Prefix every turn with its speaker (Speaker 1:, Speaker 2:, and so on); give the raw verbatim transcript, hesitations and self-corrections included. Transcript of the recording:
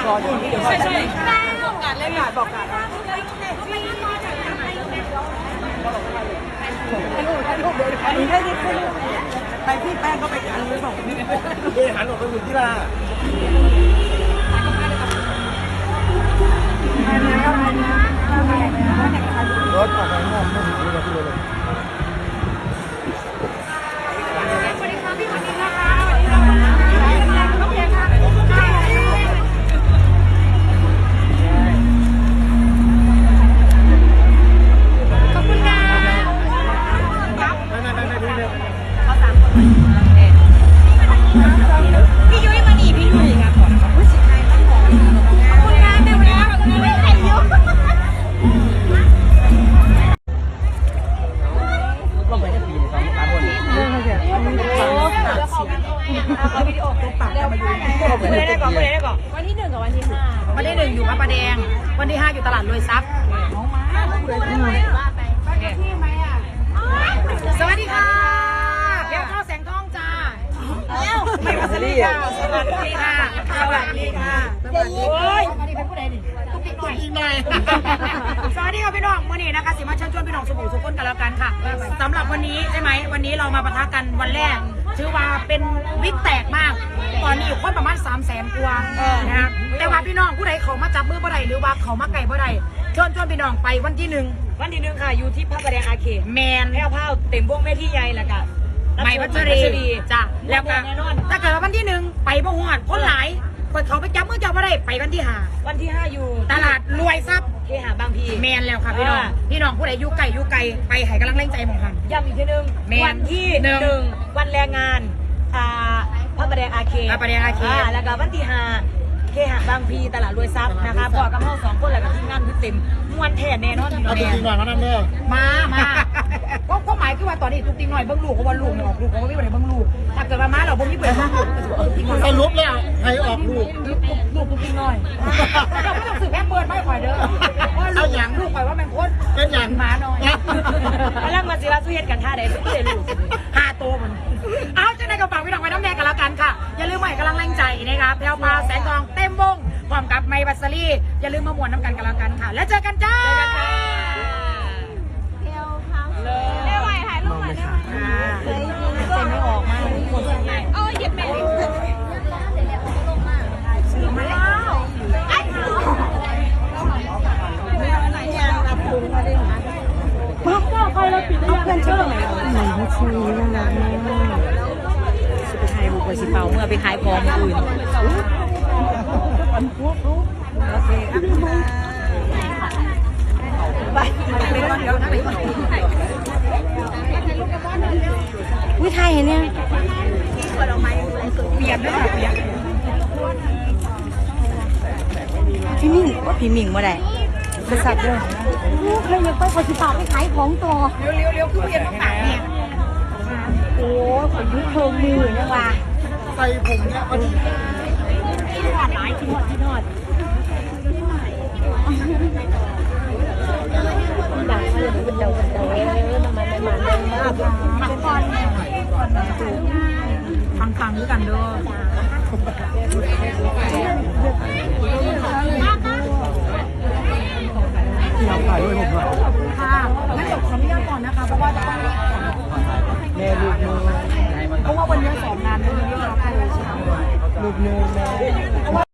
Speaker 1: รออยู่ที่เดี๋ยวใช่ใช่บอกการเล่นการบอกการให้ลูกให้ลูกเดี๋ยวอันนี้ให้ที่ขึ้นไปพี่แป้งก็ไปกันเลยบอกนี่เดี๋ยวหันออกไปอยู่ที่ลารถออกไปนอกไม่ถึงที่เราที่เลยสวัสดีค่ะพี่สวัสดีนะคะสวัสดีค่ะโอเคค่ะขอบคุณค่ะไม่ไม่ไม่ไม่พี่เร็วเขาสามคนพี่ยุ้ยมาหนีพี่ยุ้ยค่ะก่อนผู้สิทธิ์ไทยตั้งของขอบคุณค่ะแม่วันนี้ขอบคุณไม่ใครเยอะลงไปได้ปีสองสามคนเรื่องเขาเสียเอาวิดีโอตัวปากแล้วมาดูไม่ได้ก่อนไม่ได้ก่อนวันที่หนึ่งกับวันที่ห้าวันที่หนึ่งอยู่พระประแดงวันที่ห้าอยู่ตลาดรวยทรัพย์สวัสดีค่ะเดี๋ยวเข้าแสงทองจ้าแล้วไม่มาสวัสดีค่ะสวัสดีค่ะสวัสดีค่ะโอ้ยสวัสดีเป็นผู้ใดดิตุ๊กติ๊กหน่อยอีกหน่อยสวัสดีค่ะพี่น้องมื่อนี้นะคะสิมาเชิญชวนพี่น้องสบู่สุขคนกันแล้วกันค่ะสำหรับวันนี้ใช่ไหมวันนี้เรามาปะทะกันวันแรกชื่อว่าเป็นวิกแตกมากตอนนี้อยู่คนประมาณสามแสนกว่านะครับแต่ว่าพี่น้องผู้ใดเขามาจับมือผู้ใดหรือว่าเขามาไก่ผู้ใดเชิญชวนพี่น้องไปวันที่หนึ่งวันที่หนึ่งค่ะอยู่ที่พระประแดงอาเคแมนแพ้วเผาเต็มวงเวทีใหญ่แล้วกันไม่พัชรีจ้ะแล้วก็ถ้าเกิดวันที่หนึ่งไปบ่หอดคนหลายคนเขาไปจับมือจับอะไรไปวันที่ห้าวันที่ห้าอยู่ตลาดรวยทรัพย์เคหะบางพีแมนแล้วค่ะพี่น้องพี่น้องผู้ใดอยู่ไกลอยู่ไกลไปให้กำลังแรงใจมองคำย้ำอีกทีนึงวันที่หนึ่งวันแรงงานอ่าพระประแดงอาเคพระประแดงอาเคแล้วก็วันที่ห้าเคหะบางพีตลาดรวยทรัพย์นะคะพอกับพ่อสองคนแล้วก็ทีมงานคือเต็มมวนแท้แน่นอนเอาจริงหน่อยมานั่นเด้อมามาก็ก็หมายคือว่าตอนนี้ทุกทีหน่อยเบิ้งลูกเพราะว่าลูกเนี่ยออกลูกเพราะว่าไม่ได้เบิ้งลูกถ้าเกิดมาม้าเราบ่มีเปิดสรุปแล้วใครออกลูกลูกทุกทีหน่อยเราไม่ต้องสืบแค่เปิดไม่ปล่อยเด้อว่าลูกอย่างลูกปล่อยว่ามันโคตรเป็นอย่างม้าน้อยแล้วมาสิว่าสู้เฮ็ดกันท่าใดสู้เลยลูกห้าโตมันเอาจะได้กระเป๋าพี่น้องไว้น้ำแดงกันแล้วกันค่ะอย่าลืมใหม่กำลังแรงใจนะครับแพลวพาแสงทองเต็มวงพร้อมกับไมบัสซี่อย่าลืมมามวนน้ำกันกันแล้วกันค่ะแล้วเจอกันจ้าเที่ยวพังเลยได้ไหวถ่ายรูปหน่อยได้ไหมเคยเซ็นไม่ออกมาเออหยิบแม่ซื้อมาแล้วไอ้มาก็ใครเราปิดเอาเพื่อนเชื่อไหมไหนพัชรีน่ารักมากสิไปขายบุกไปสิเป่าเมื่อไปขายของอื่นโอเคไปไปก่อนเดี๋ยวนะไปก่อนวิไทยเห็นยังเปลี่ยนด้วยค่ะเปลี่ยนพี่มิ่งว่าพี่มิ่งมาได้บริษัทด้วยใครยังไปขอสิบบาทไปขายของต่อเร็วเร็วเร็วคือเปลี่ยนต้องหนักเนี่ยโอ้ขอยุบเพิ่มมือเนี่ยว่ะใส่ผมเนี่ยมันที่นอดหลายที่นอดที่นอดดังเลยเป็นเดาเป็นเดาเอ้ยมันมันมันมันมากมันก่อนฟังฟังด้วยกันเด้อที่เราถ่ายด้วยผมด้วยค่ะงั้นเดี๋ยวขออนุญาตก่อนนะคะเพราะว่าจะต้องแม่ลูกมือเพราะว่าวันนี้สองงานด้วยเรื่องรับเลยใช่ไหมลูกมือแม่